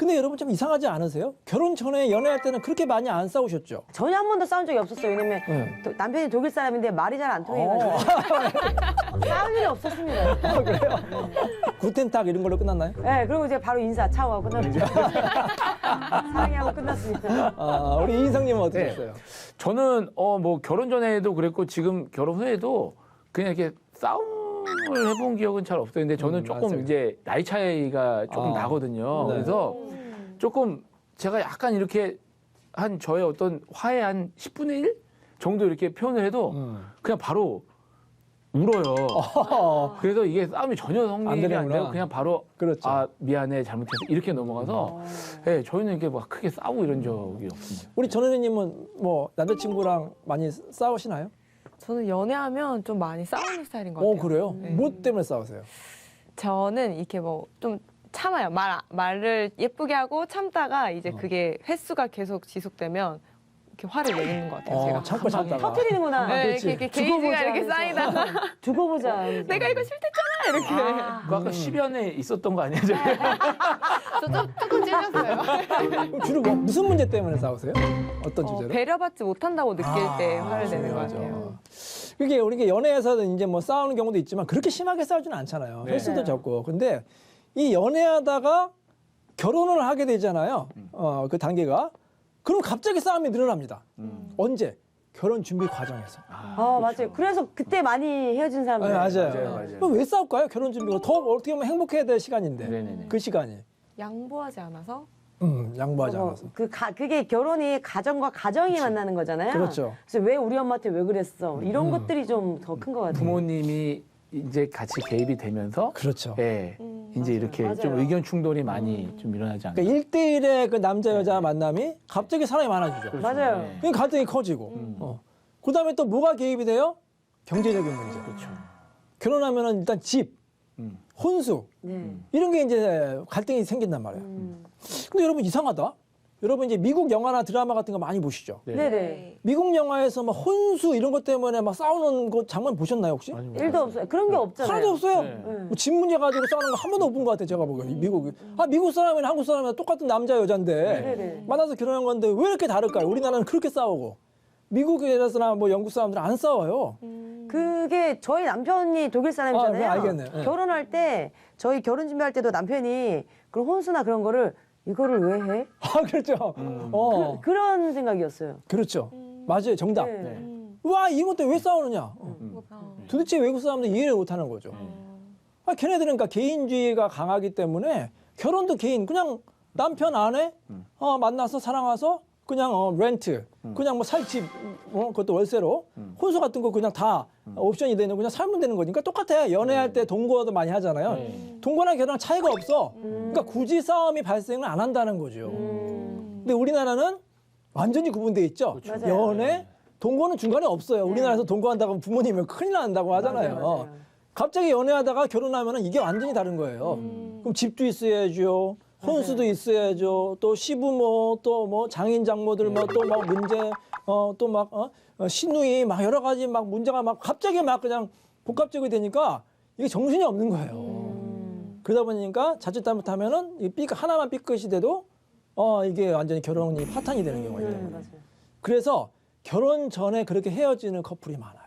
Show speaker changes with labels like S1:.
S1: 근데 여러분 좀 이상하지 않으세요? 결혼 전에 연애할 때는 그렇게 많이 안 싸우셨죠?
S2: 전혀 한 번도 싸운 적이 없었어요. 왜냐면
S1: 네.
S2: 남편이 독일 사람인데 말이 잘 안 통해가지고 싸울 일이 없었습니다.
S1: 그래요? 구텐탁 이런 걸로 끝났나요?
S2: 네, 그리고 이제 바로 인사 차오하고 끝났죠. 사랑해하고 끝났습니다.
S1: 아, 우리 이인성님은
S3: 네.
S1: 어떠셨어요?
S3: 저는 뭐 결혼 전에도 그랬고 지금 결혼 후에도 그냥 이렇게 싸움을 해본 기억은 잘 없어요. 근데 저는 조금
S1: 맞아요.
S3: 이제 나이 차이가 조금
S1: 아,
S3: 나거든요.
S1: 네.
S3: 그래서 조금 제가 약간 이렇게 한 저의 어떤 화의 한 10분의 1 정도 이렇게 표현을 해도 그냥 바로 울어요. 그래서 이게 싸움이 전혀 성립이 안
S1: 되는구나.
S3: 되고 그냥 바로
S1: 그렇죠.
S3: 아 미안해 잘못했어 이렇게 넘어가서 네, 저희는 이렇게 막 크게 싸우고 이런 적이 없습니다.
S1: 우리 전현희님은 뭐 남자친구랑 많이 싸우시나요?
S4: 저는 연애하면 좀 많이 싸우는 스타일인 것
S1: 어,
S4: 같아요.
S1: 그래요?
S4: 네.
S1: 뭐 때문에 싸우세요?
S4: 저는 이렇게 뭐 좀 참아요. 말을 예쁘게 하고 참다가 이제 그게 횟수가 계속 지속되면 이렇게 화를 내는 것 같아요. 제가.
S1: 참고
S4: 한 방에.
S1: 참다가.
S2: 터뜨리는구나.
S4: 네,
S1: 그렇지.
S4: 이렇게
S2: 두고
S4: 게이지가
S2: 보자
S4: 이렇게
S2: 하면서.
S4: 쌓이다가
S2: 두고 보자.
S4: 내가 이거 싫댔잖아 이렇게.
S3: 그거 아까 10연에 있었던 거 아니에요? 저희가?
S4: 저 조금 찔렸어요.
S1: 그럼 주로 뭐 무슨 문제 때문에 싸우세요? 어떤 주제로?
S4: 배려받지 못한다고 느낄 때 화를 내는 것
S1: 맞아.
S4: 같아요.
S1: 이게 우리가 연애에서는 이제 뭐 싸우는 경우도 있지만 그렇게 심하게 싸우지는 않잖아요.
S3: 네.
S1: 횟수도 적고. 근데 이 연애하다가 결혼을 하게 되잖아요. 그 단계가. 그럼 갑자기 싸움이 늘어납니다. 언제? 결혼 준비 과정에서.
S2: 맞아요. 그래서 그때 많이 헤어진
S1: 네,
S2: 사람들.
S1: 맞아요. 그럼 왜 싸울까요? 결혼 준비가 더 어떻게 보면 행복해야 될 시간인데.
S3: 네네네.
S1: 그 시간이.
S4: 양보하지 않아서
S1: 양보하지 않아서.
S2: 그게 결혼이 가정과 가정이 만나는 거잖아요.
S1: 그렇죠.
S2: 그래서 왜 우리 엄마한테 왜 그랬어? 이런 것들이 좀 더 큰 것 같아요.
S3: 부모님이 이제 같이 개입이 되면서
S1: 그렇죠.
S3: 예, 이제 이렇게
S2: 맞아요.
S3: 좀 의견 충돌이 많이 좀 일어나지 않을까.
S1: 그러니까 1대1의 그 남자 여자 만남이 갑자기 사람이 많아지죠.
S2: 맞아요.
S3: 네.
S1: 그러니까 갈등이 커지고. 그다음에 또 뭐가 개입이 돼요? 경제적인 문제.
S3: 그렇죠.
S1: 결혼하면은 일단 집, 혼수
S2: 네.
S1: 이런 게 이제 갈등이 생긴단 말이에요. 근데 여러분 이상하다. 여러분 이제 미국 영화나 드라마 같은 거 많이 보시죠.
S3: 네.
S2: 네네.
S1: 미국 영화에서 막 혼수 이런 것 때문에 막 싸우는 거 장면 보셨나요 혹시?
S3: 아니, 뭐.
S2: 일도 없어요. 그런 게 없잖아요.
S1: 하나도 없어요.
S3: 네.
S1: 뭐 집 문제 가지고 싸우는 거 한 번도 못 본 것 같아요. 제가 보기엔 미국. 미국 사람이나 한국 사람이나 똑같은 남자 여자인데
S2: 네네.
S1: 만나서 결혼한 건데 왜 이렇게 다를까요? 우리나라는 그렇게 싸우고 미국에서나 뭐 영국 사람들은 안 싸워요.
S2: 그게 저희 남편이 독일 사람이잖아요.
S1: 네, 알겠네. 네.
S2: 결혼할 때 저희 결혼 준비할 때도 남편이 그런 혼수나 그런 거를 이거를 왜 해?
S1: 아 그렇죠.
S2: 그런 생각이었어요.
S1: 그렇죠. 맞아요. 정답.
S2: 네.
S1: 와 이것 때문에 왜 싸우느냐? 도대체 외국 사람들 이해를 못하는 거죠. 걔네들은 그러니까 개인주의가 강하기 때문에 결혼도 개인 그냥 남편 아내 만나서 사랑해서 그냥 렌트 그냥 뭐 살집 그것도 월세로 혼수 같은 거 그냥 다 옵션이 되는 그냥 살면 되는 거니까 똑같아. 연애할 때 동거도 많이 하잖아요. 동거나 결혼랑 차이가 없어. 그러니까 굳이 싸움이 발생을 안 한다는 거죠. 근데 우리나라는 완전히 구분돼 있죠.
S2: 맞아요.
S1: 연애, 동거는 중간에 없어요. 우리나라에서 동거한다고 하면 부모님이 큰일 난다고 하잖아요.
S2: 맞아요.
S1: 갑자기 연애하다가 결혼하면 이게 완전히 다른 거예요. 그럼 집도 있어야죠. 혼수도 있어야죠. 또 시부모, 또 뭐 장인 장모들 뭐 또 막 문제, 또 막 시누이 막 여러 가지 막 문제가 막 갑자기 막 그냥 복합적이 되니까 이게 정신이 없는 거예요. 그러다 보니까 자칫 잘못하면은 이 하나만 삐끗이 돼도 이게 완전히 결혼이 파탄이 되는 경우가 있는 거예요.
S2: 맞아요.
S1: 그래서 결혼 전에 그렇게 헤어지는 커플이 많아요.